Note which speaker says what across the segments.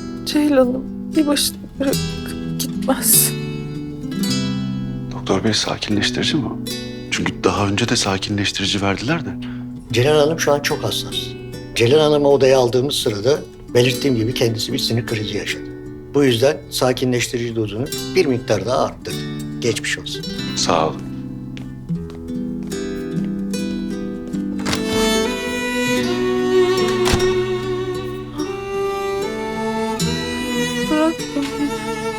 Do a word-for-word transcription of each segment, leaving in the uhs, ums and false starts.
Speaker 1: Ceylan'ım bir başına bırakıp gitmez.
Speaker 2: Doktor bey sakinleştirici mi o? Çünkü daha önce de sakinleştirici verdiler de.
Speaker 3: Ceylan Hanım şu an çok hassas. Ceylan Hanım'ı odaya aldığımız sırada belirttiğim gibi kendisi bir sinir krizi yaşadı. Bu yüzden sakinleştirici dozunu bir miktar daha arttırdı. Geçmiş olsun.
Speaker 2: Sağ olun.
Speaker 1: Bırakma beni.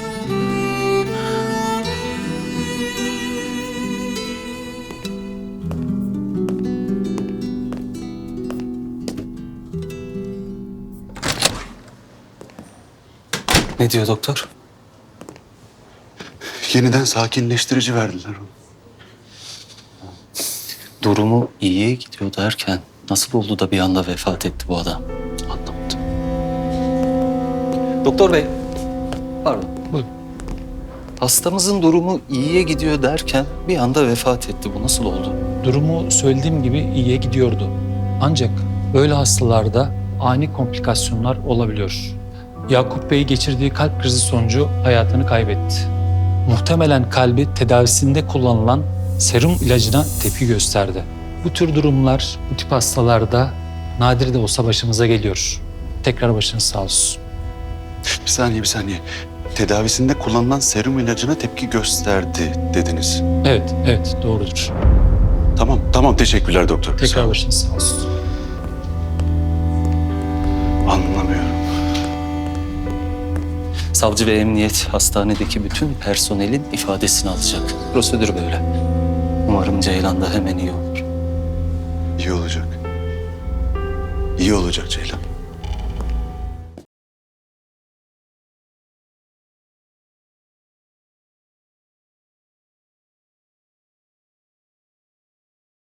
Speaker 4: Ne diyor doktor?
Speaker 2: Yeniden sakinleştirici verdiler ona.
Speaker 4: Durumu iyiye gidiyor derken nasıl oldu da bir anda vefat etti bu adam? Anlamadım. Doktor bey, pardon.
Speaker 5: Buyurun.
Speaker 4: Hastamızın durumu iyiye gidiyor derken bir anda vefat etti. Bu nasıl oldu?
Speaker 5: Durumu söylediğim gibi iyiye gidiyordu. Ancak böyle hastalarda ani komplikasyonlar olabiliyor. Yakup Bey geçirdiği kalp krizi sonucu hayatını kaybetti. Muhtemelen kalbi tedavisinde kullanılan serum ilacına tepki gösterdi. Bu tür durumlar bu tip hastalarda nadir de olsa başımıza geliyor. Tekrar başınız sağ olsun.
Speaker 2: Bir saniye bir saniye. Tedavisinde kullanılan serum ilacına tepki gösterdi dediniz.
Speaker 5: Evet, evet doğrudur.
Speaker 2: Tamam tamam teşekkürler doktor. Sağ
Speaker 5: Tekrar
Speaker 2: olun.
Speaker 5: başınız sağ olsun.
Speaker 2: Anlamıyorum.
Speaker 4: Savcı ve emniyet hastanedeki bütün personelin ifadesini alacak. Prosedür böyle. Umarım Ceylan da hemen iyi olur.
Speaker 2: İyi olacak. İyi olacak Ceylan.